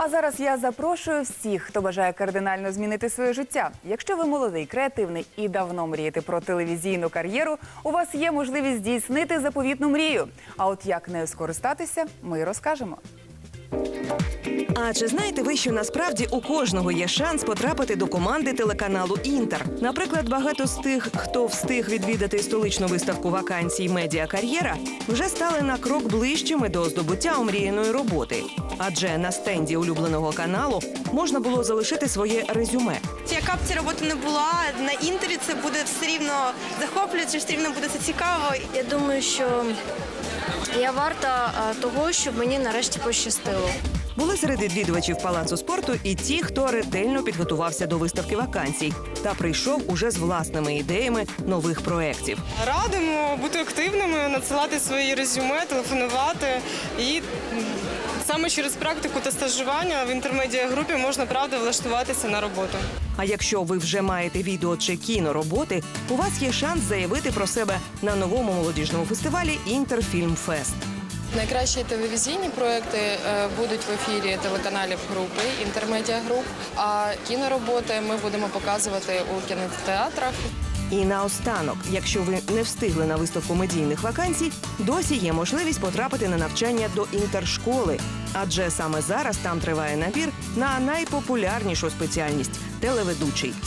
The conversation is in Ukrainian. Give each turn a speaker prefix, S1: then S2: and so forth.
S1: А зараз я запрошую всіх, хто бажає кардинально змінити своє життя. Якщо ви молодий, креативний і давно мрієте про телевізійну кар'єру, у вас є можливість здійснити заповітну мрію. А от як нею скористатися, ми розкажемо.
S2: А чи знаєте ви, що насправді у кожного є шанс потрапити до команди телеканалу «Інтер»? Наприклад, багато з тих, хто встиг відвідати столичну виставку вакансій «Медіакар'єра», вже стали на крок ближчими до здобуття омріяної роботи. Адже на стенді улюбленого каналу можна було залишити своє резюме.
S3: Яка б ця робота не була, на «Інтері» це буде все рівно захоплююче, все рівно буде це цікаво.
S4: Я думаю, що я варта того, щоб мені нарешті пощастило.
S2: Були серед відвідувачів Палацу спорту і ті, хто ретельно підготувався до виставки вакансій та прийшов уже з власними ідеями нових проєктів.
S5: Радимо бути активними, надсилати свої резюме, телефонувати. І саме через практику та стажування в інтермедіагрупі можна, правда, влаштуватися на роботу.
S2: А якщо ви вже маєте відео чи кінороботи, у вас є шанс заявити про себе на новому молодіжному фестивалі «Інтерфільмфест».
S6: Найкращі телевізійні проекти будуть в ефірі телеканалів групи «Інтермедіагруп», а кінороботи ми будемо показувати у кінотеатрах.
S2: І наостанок, якщо ви не встигли на виставку медійних вакансій, досі є можливість потрапити на навчання до інтершколи. Адже саме зараз там триває набір на найпопулярнішу спеціальність – телеведучий.